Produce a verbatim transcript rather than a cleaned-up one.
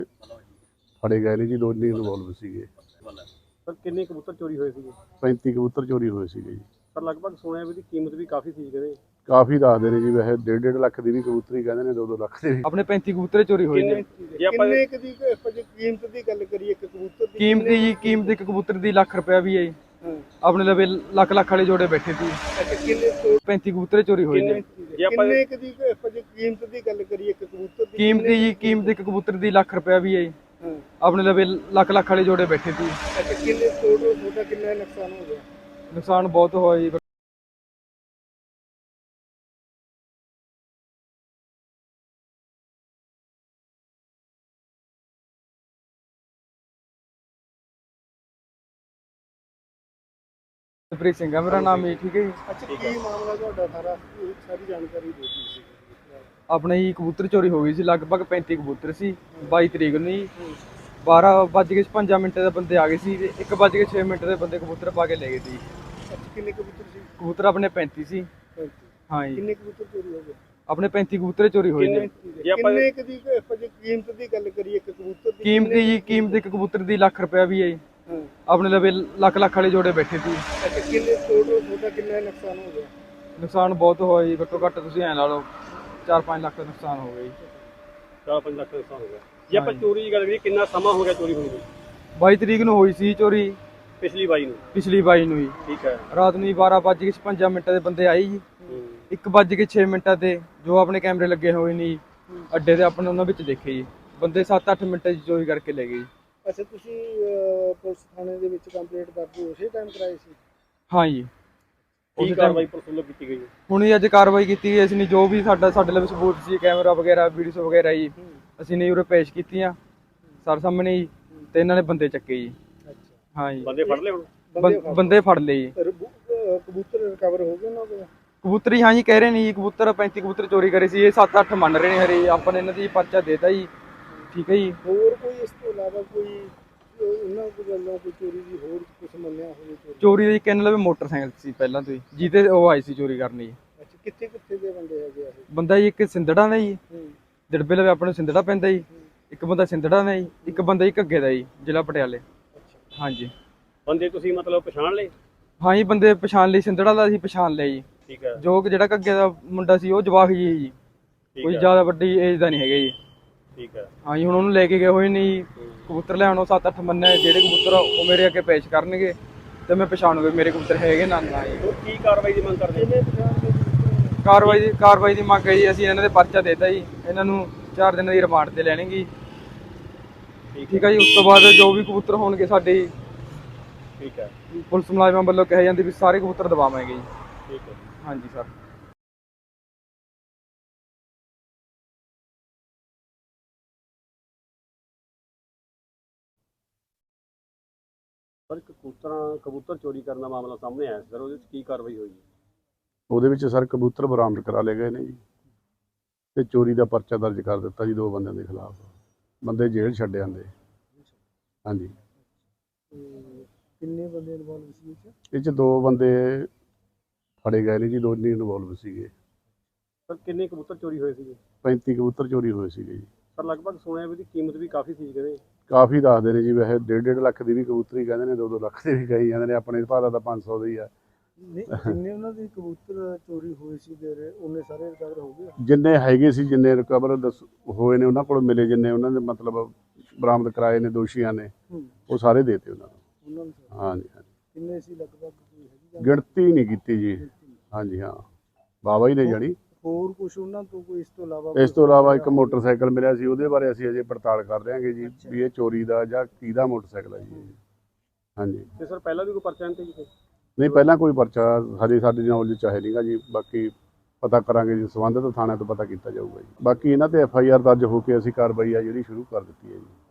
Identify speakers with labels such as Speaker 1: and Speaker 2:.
Speaker 1: ਫੜੇ ਗਏ ਨੇ ਜੀ, ਦੋ ਨਹੀਂ ਇਨਵੋਲਵ ਸੀਗੇ।
Speaker 2: ਸਰ ਕਿੰਨੇ ਕਬੂਤਰ ਚੋਰੀ ਹੋਏ ਸੀਗੇ?
Speaker 1: ਪੈਂਤੀ ਕਬੂਤਰ ਚੋਰੀ ਹੋਏ ਸੀਗੇ ਜੀ।
Speaker 2: ਸਰ ਲਗਭਗ ਸੁਣਿਆ ਵੀ ਦੀ ਕੀਮਤ ਵੀ ਕਾਫੀ ਸੀ ਕਹਿੰਦੇ।
Speaker 1: ਕਾਫੀ ਦੱਸਦੇ ਨੇ ਜੀ, ਵੈਸੇ ਡੇਢ ਡੇਢ ਲੱਖ ਦੀ ਵੀ ਕਬੂਤਰੀ ਕਹਿੰਦੇ ਨੇ, ਦੋ ਦੋ ਲੱਖ ਦੇ ਵੀ।
Speaker 3: ਆਪਣੇ ਪੈਂਤੀ ਕਬੂਤਰ ਚੋਰੀ ਹੋਏ ਨੇ।
Speaker 2: ਜੇ ਆਪਾਂ ਕਿੰਨੇ ਕ ਦੀ ਆਪਾਂ ਜੇ ਕੀਮਤ ਦੀ ਗੱਲ ਕਰੀਏ ਇੱਕ ਕਬੂਤਰ ਦੀ
Speaker 3: ਕੀਮਤ ਜੀ ਕੀਮਤ ਇੱਕ ਕਬੂਤਰ ਦੀ ਲੱਖ ਰੁਪਇਆ ਵੀ ਹੈ। ਆਪਣੇ ਲਵੇ ਲੱਖ ਲੱਖ ਵਾਲੇ ਜੋੜੇ ਬੈਠੇ ਸੀ।
Speaker 2: ਅੱਛਾ ਕਿੰਨੇ
Speaker 3: ਪੈਂਤੀ ਕਬੂਤਰ ਚੋਰੀ ਹੋਏ ਨੇ।
Speaker 2: ਜੇ ਆਪਾਂ ਕਿੰਨੇ ਕ ਦੀ ਆਪਾਂ ਜੇ ਕੀਮਤ ਦੀ ਗੱਲ ਕਰੀਏ ਇੱਕ ਕਬੂਤਰ ਦੀ
Speaker 3: ਕੀਮਤ ਜੀ ਕੀਮਤ ਇੱਕ ਕਬੂਤਰ ਦੀ ਲੱਖ ਰੁਪਇਆ ਵੀ ਹੈ। ਆਪਣੇ ਲਵੇ ਲੱਖ ਲੱਖ ਵਾਲੇ ਜੋੜੇ ਬੈਠੇ ਸੀ।
Speaker 2: ਅੱਛਾ ਕਿੰਨੇ ਟੋਟਲ ਤੁਹਾਡਾ ਕਿੰਨਾ ਨੁਕਸਾਨ ਹੋ ਗਿਆ?
Speaker 3: ਨੁਕਸਾਨ ਬਹੁਤ ਹੋਇਆ ਜੀ। ਪ੍ਰੀਤ ਸਿੰਘ ਹੈ ਮੇਰਾ ਨਾਮ ਜੀ। ਠੀਕ ਹੈ ਜੀ।
Speaker 2: ਅੱਛਾ ਕੀ ਮਾਮਲਾ ਤੁਹਾਡਾ ਸਾਰਾ ਸਾਰੀ ਜਾਣਕਾਰੀ ਦੇ ਦਿਓ ਜੀ।
Speaker 3: ਆਪਣੇ ਜੀ ਕਬੂਤਰ ਚੋਰੀ ਹੋ ਗਈ ਸੀ, ਲਗਭਗ ਪੈਂਤੀ ਕਬੂਤਰ ਸੀ। ਬਾਈ ਤਰੀਕ ਨੂੰ ਜੀ ਬਾਰਾਂ ਵੱਜ ਕੇ ਛਪੰਜਾ ਮਿੰਟ ਦੇ ਬੰਦੇ ਆ ਗਏ ਸੀ ਤੇ ਇੱਕ ਵੱਜ ਕੇ ਛੇ ਮਿੰਟ ਦੇ ਬੰਦੇ ਕਬੂਤਰ ਪਾ ਕੇ ਲੈ ਗਏ ਸੀ।
Speaker 2: ਅੱਛਾ ਕਿੰਨੇ ਕਬੂਤਰ ਸੀ?
Speaker 3: ਕਬੂਤਰ ਆਪਣੇ ਪੈਂਤੀ ਸੀ। ਹਾਂ ਜੀ।
Speaker 2: ਕਿੰਨੇ ਕਬੂਤਰ ਚੋਰੀ ਹੋ ਗਏ?
Speaker 3: ਆਪਣੇ ਪੈਂਤੀ ਕਬੂਤਰ ਚੋਰੀ ਹੋਏ ਨੇ।
Speaker 2: ਜੇ ਆਪਾਂ ਕਿੰਨੇ ਕ ਦੀ ਆਪਾਂ ਜੇ ਕੀਮਤ ਦੀ ਗੱਲ ਕਰੀਏ ਇੱਕ ਕਬੂਤਰ ਦੀ
Speaker 3: ਕੀਮਤ ਜੀ ਕੀਮਤ ਇੱਕ ਕਬੂਤਰ ਦੀ ਲੱਖ ਰੁਪਇਆ ਵੀ ਹੈ। ਆਪਣੇ ਲਵੇ ਲੱਖ ਲੱਖ ਵਾਲੇ ਜੋੜੇ ਬੈਠੇ ਸੀ।
Speaker 2: ਅੱਛਾ ਕਿੰਨੇ ਟੋਟਲ ਤੁਹਾਡਾ ਕਿੰਨਾ ਨੁਕਸਾਨ ਹੋ ਗਿਆ?
Speaker 3: ਨੁਕਸਾਨ ਬਹੁਤ ਹੋਇਆ ਜੀ, ਘੱਟੋ ਘੱਟ ਤੁਸੀਂ ਐਂ ਲਾ ਲਓ ਚਾਰ ਪੰਜ ਲੱਖ ਦਾ ਨੁਕਸਾਨ ਹੋ ਗਿਆ ਜੀ।
Speaker 2: ਚਾਰ ਪੰਜ ਲੱਖ ਦਾ ਨੁਕਸਾਨ ਹੋ ਗਿਆ। ਜੇ ਆਪਾਂ ਚੋਰੀ ਦੀ ਗੱਲ ਕਰੀਏ ਕਿੰਨਾ ਸਮਾਂ ਹੋ ਗਿਆ ਚੋਰੀ ਹੋਈ ਨੂੰ?
Speaker 3: ਬਾਈ ਤਰੀਕ ਨੂੰ ਹੋਈ ਸੀ ਚੋਰੀ।
Speaker 2: ਪਿਛਲੀ ਬਾਈ ਨੂੰ?
Speaker 3: ਪਿਛਲੀ ਬਾਈ ਨੂੰ ਜੀ।
Speaker 2: ਠੀਕ ਹੈ।
Speaker 3: ਰਾਤ ਨੂੰ ਬਾਰਾਂ ਵੱਜ ਕੇ ਛਪੰਜਾ ਮਿੰਟਾਂ ਦੇ ਬੰਦੇ ਆਏ ਜੀ। ਇੱਕ ਵੱਜ ਕੇ ਛੇ ਮਿੰਟਾਂ ਤੇ ਜੋ ਆਪਣੇ ਕੈਮਰੇ ਲੱਗੇ ਹੋਏ ਨੇ ਅੱਡੇ ਤੇ ਆਪਣੇ ਉਹਨਾਂ ਵਿੱਚ ਦੇਖੇ ਜੀ ਬੰਦੇ ਸੱਤ ਅੱਠ ਮਿੰਟਾਂ 'ਚ ਚੋਰੀ ਕਰਕੇ ਲੈ ਗਏ ਜੀ।
Speaker 2: ਅੱਛਾ ਤੁਸੀਂ ਪੁਲਿਸ ਥਾਣੇ ਦੇ ਵਿੱਚ ਕੰਪਲੇਂਟ ਕਰਦੇ ਉਸੇ ਟਾਈਮ ਕਰਾਈ ਸੀ?
Speaker 3: ਹਾਂ ਜੀ।
Speaker 2: ਕੀ ਕਾਰਵਾਈ ਪੁਲਿਸ ਵੱਲੋਂ ਕੀਤੀ ਗਈ?
Speaker 3: ਹੁਣ ਹੀ ਅੱਜ ਕਾਰਵਾਈ ਕੀਤੀ ਗਈ। ਅਸੀਂ ਨੇ ਜੋ ਵੀ ਸਾਡਾ ਸਾਡੇ ਲਈ ਸਬੂਤ ਸੀ ਕੈਮਰਾ ਵਗੈਰਾ ਵੀਡੀਓ ਵਗੈਰਾ ਜੀ ਅਸੀਂ ਨੇ ਉਰੇ ਪੇਸ਼ ਕੀਤੀਆਂ ਸਰ ਸਾਹਮਣੇ ਜੀ ਤੇ ਇਹਨਾਂ ਨੇ ਬੰਦੇ ਚੱਕੇ ਜੀ।
Speaker 2: ਅੱਛਾ
Speaker 3: ਹਾਂ ਜੀ।
Speaker 2: ਬੰਦੇ ਫੜ ਲਏ ਹੁਣ?
Speaker 3: ਬੰਦੇ ਫੜ ਲਏ ਜੀ।
Speaker 2: ਕਬੂਤਰ ਰਿਕਵਰ ਹੋ ਗਏ ਉਹਨਾਂ ਕੋਲ?
Speaker 3: ਕਬੂਤਰ ਹੀ ਹਾਂ ਜੀ ਕਹਿ ਰਹੇ ਨੇ ਜੀ ਕਬੂਤਰ ਪੈਂਤੀ ਕਬੂਤਰ ਚੋਰੀ ਕਰੇ ਸੀ। ਇਹ ਸੱਤ ਅੱਠ ਮੰਨ ਰਹੇ ਨੇ ਹਰੇ। ਆਪਾਂ ਨੇ ਇਹਨਾਂ ਦੀ ਪਰਚਾ ਦੇਤਾ ਜੀ। ਠੀਕ ਹੈ ਜੀ।
Speaker 2: ਹੋਰ ਕੋਈ ਇਸ ਤੋਂ ਇਲਾਵਾ ਕੋਈ ਉਹਨਾਂ ਕੋਲ ਗੱਲਾਂ ਕੋਈ ਚੋਰੀ ਦੀ ਹੋਰ ਕੁਝ ਮੰਨਿਆ ਹੋਵੇ?
Speaker 3: ਚੋਰੀ ਦੀ ਕਿੰਨ ਲਵੇ ਮੋਟਰਸਾਈਕਲ ਸੀ ਪਹਿਲਾਂ ਤੋਂ ਹੀ ਜਿਹਦੇ ਉਹ ਆਈ ਸੀ ਚੋਰੀ ਕਰਨੀ ਜੀ।
Speaker 2: ਅੱਛਾ ਕਿੱਥੇ ਕਿੱਥੇ ਦੇ ਬੰਦੇ ਹੈਗੇ ਆ?
Speaker 3: ਬੰਦਾ ਜੀ ਇੱਕ ਸਿੰਧੜਾ ਦਾ ਜੀ, ਦਿੜਬੇ ਲਵੇ ਆਪਣੇ ਸਿੰਧੜਾ ਪੈਂਦਾ ਜੀ। ਇੱਕ ਬੰਦਾ ਸਿੰਧੜਾ ਦਾ ਜੀ, ਇੱਕ ਬੰਦਾ ਜੀ ਘੱਗੇ ਦਾ ਜੀ, ਜ਼ਿਲ੍ਹਾ ਪਟਿਆਲੇ। ਹਾਂਜੀ। ਬੰਦੇ
Speaker 2: ਤੁਸੀਂ ਮਤਲਬ ਪਛਾਣ ਲਏ?
Speaker 3: ਹਾਂ ਜੀ ਬੰਦੇ ਪਛਾਣ ਲਈ। ਸਿੰਧੜਾ ਦਾ ਅਸੀਂ ਪਛਾਣ ਲਿਆ ਜੀ।
Speaker 2: ਠੀਕ ਹੈ।
Speaker 3: ਜੋ ਜਿਹੜਾ ਘੱਗੇ ਦਾ ਮੁੰਡਾ ਸੀ ਉਹ ਜਵਾਕ ਜੀ ਜੀ, ਕੋਈ ਜ਼ਿਆਦਾ ਵੱਡੀ ਏਜ ਦਾ ਨਹੀਂ ਹੈਗਾ ਜੀ।
Speaker 2: ਠੀਕ ਹੈ।
Speaker 3: ਹਾਂ ਜੀ। ਹੁਣ ਉਹਨੂੰ ਲੈ ਕੇ ਗਏ ਹੋਏ ਨੇ ਜੀ ਕਬੂਤਰ ਲਿਆਉਣੋਂ ਸੱਤ ਅੱਠ ਮੰਨੇ ਜਿਹੜੇ ਕਬੂਤਰ ਉਹ ਮੇਰੇ ਅੱਗੇ ਪੇਸ਼ ਕਰਨਗੇ ਤੇ ਮੈਂ ਪਛਾਣੂਗਾ ਮੇਰੇ ਕਬੂਤਰ ਹੈਗੇ ਨਾ ਨਾ ਜੀ।
Speaker 2: ਕੀ ਕਾਰਵਾਈ ਦੀ ਮੰਗ ਕਰਦੇ?
Speaker 3: ਕਾਰਵਾਈ ਦੀ ਕਾਰਵਾਈ ਦੀ ਮੰਗ ਹੈ ਜੀ। ਅਸੀਂ ਇਹਨਾਂ ਦੇ ਪਰਚਾ ਦੇਤਾ ਜੀ। ਇਹਨਾਂ ਨੂੰ ਚਾਰ ਦਿਨਾਂ ਦੀ ਰਿਮਾਂਡ ਤੇ ਲੈਣਗੇ। ਠੀਕ ਹੈ ਜੀ। ਉਸ ਤੋਂ ਬਾਅਦ ਜੋ ਵੀ ਕਬੂਤਰ ਹੋਣਗੇ ਸਾਡੇ
Speaker 2: ਠੀਕ ਹੈ
Speaker 3: ਪੁਲਿਸ ਮੁਲਾਜ਼ਮਾਂ ਵੱਲੋਂ ਕਿਹਾ ਜਾਂਦੀ ਵੀ ਸਾਰੇ ਕਬੂਤਰ ਦਬਾਵਾਂਗੇ ਜੀ।
Speaker 2: ਠੀਕ ਹੈ।
Speaker 3: ਹਾਂਜੀ ਸਰ।
Speaker 2: ਸਰ ਕਬੂਤਰਾਂ ਕਬੂਤਰ ਚੋਰੀ ਕਰਨ ਦਾ ਮਾਮਲਾ ਸਾਹਮਣੇ ਆਇਆ ਸਰ, ਉਹਦੇ ਵਿੱਚ ਕੀ ਕਾਰਵਾਈ ਹੋਈ?
Speaker 1: ਉਹਦੇ ਵਿੱਚ ਸਰ ਕਬੂਤਰ ਬਰਾਮਦ ਕਰਾ ਲਏ ਗਏ ਨੇ ਜੀ ਤੇ ਚੋਰੀ ਦਾ ਪਰਚਾ ਦਰਜ ਕਰ ਦਿੱਤਾ ਜੀ ਦੋ ਬੰਦਿਆਂ ਦੇ ਖਿਲਾਫ। ਬੰਦੇ ਜੇਲ੍ਹ ਛੱਡ ਜਾਂਦੇ। ਹਾਂਜੀ।
Speaker 2: ਕਿੰਨੇ ਬੰਦੇ ਇਨਵੋਲਵ ਸੀ
Speaker 1: ਇਹ 'ਚ ਦੋ ਬੰਦੇ ਫੜੇ ਗਏ ਨੇ ਜੀ, ਦੋ ਨਹੀਂ ਇਨਵੋਲਵ ਸੀਗੇ।
Speaker 2: ਸਰ ਕਿੰਨੇ ਕਬੂਤਰ ਚੋਰੀ ਹੋਏ ਸੀਗੇ?
Speaker 1: ਪੈਂਤੀ ਕਬੂਤਰ ਚੋਰੀ ਹੋਏ ਸੀਗੇ ਜੀ।
Speaker 2: ਸਰ ਲਗਭਗ ਸੁਣਿਆ ਵੀ ਦੀ ਕੀਮਤ ਵੀ ਕਾਫੀ ਸੀ ਕਹਿੰਦੇ।
Speaker 1: ਕਾਫੀ ਦੱਸਦੇ ਨੇ ਜੀ, ਵੈਸੇ ਡੇਢ ਡੇਢ ਲੱਖ ਦੀ ਵੀ ਕਬੂਤਰੀ ਕਹਿੰਦੇ ਨੇ, ਦੋ ਦੋ ਲੱਖ ਦੇ ਵੀ ਕਹੀ ਜਾਂਦੇ ਨੇ। ਆਪਣੇ ਭਾਅ ਦਾ ਤਾਂ ਪੰਜ ਸੌ ਦਾ ਹੀ ਆ।
Speaker 2: ਨਹੀਂ ਜਿੰਨੇ ਉਹਨਾਂ ਦੇ ਕਬੂਤਰ ਚੋਰੀ ਹੋਏ ਸੀ ਦੇ ਉਹਨੇ ਸਾਰੇ ਰਿਕਵਰ ਹੋ ਗਏ? ਜਿੰਨੇ
Speaker 1: ਹੈਗੇ ਸੀ ਜਿੰਨੇ ਰਿਕਵਰ ਦੱਸ ਹੋਏ ਨੇ ਉਹਨਾਂ ਕੋਲ ਮਿਲੇ, ਜਿੰਨੇ ਉਹਨਾਂ ਦੇ ਮਤਲਬ ਬਰਾਮਦ ਕਰਾਏ ਨੇ ਦੋਸ਼ੀਆਂ ਨੇ ਉਹ ਸਾਰੇ ਦੇਤੇ ਉਹਨਾਂ ਨੂੰ। ਹਾਂਜੀ ਹਾਂਜੀ।
Speaker 2: ਕਿੰਨੇ ਸੀ ਲਗਭਗ?
Speaker 1: ਗਿਣਤੀ ਨਹੀਂ ਕੀਤੀ ਜੀ। ਹਾਂਜੀ ਹਾਂ ਬਾਬਾ ਹੀ ਨੇ ਜਾਣੀ।
Speaker 2: ਹੋਰ ਕੁਝ ਉਹਨਾਂ ਤੋਂ ਕੋਈ ਇਸ ਤੋਂ ਇਲਾਵਾ?
Speaker 1: ਇਸ ਤੋਂ ਇਲਾਵਾ ਇੱਕ ਮੋਟਰਸਾਈਕਲ ਮਿਲਿਆ ਸੀ, ਉਹਦੇ ਬਾਰੇ ਅਸੀਂ ਅਜੇ ਪੜਤਾਲ ਕਰ ਰਹੇ ਹਾਂਗੇ ਜੀ ਵੀ ਇਹ ਚੋਰੀ ਦਾ ਜਾਂ ਕਿਹਦਾ ਮੋਟਰਸਾਈਕਲ ਹੈ ਜੀ। ਹਾਂਜੀ।
Speaker 2: ਤੇ ਸਰ ਪਹਿਲਾਂ ਵੀ ਕੋਈ ਪਰਚਾ ਨਹੀਂ ਜੀ?
Speaker 1: ਨਹੀਂ ਪਹਿਲਾਂ ਕੋਈ ਪਰਚਾ ਹਜੇ ਸਾਡੀ ਨੌਲੇਜ ਚ ਹੈ ਨਹੀਂਗਾ ਜੀ। ਬਾਕੀ ਪਤਾ ਕਰਾਂਗੇ ਜੀ, ਸੰਬੰਧਿਤ ਥਾਣਿਆਂ ਤੋਂ ਪਤਾ ਕੀਤਾ ਜਾਊਗਾ ਜੀ। ਬਾਕੀ ਇਹਨਾਂ ਤੇ ਐਫ ਆਈ ਆਰ ਦਰਜ ਹੋ ਕੇ ਅਸੀਂ ਕਾਰਵਾਈ ਆ ਜਿਹੜੀ ਸ਼ੁਰੂ ਕਰ ਦਿੱਤੀ ਹੈ ਜੀ।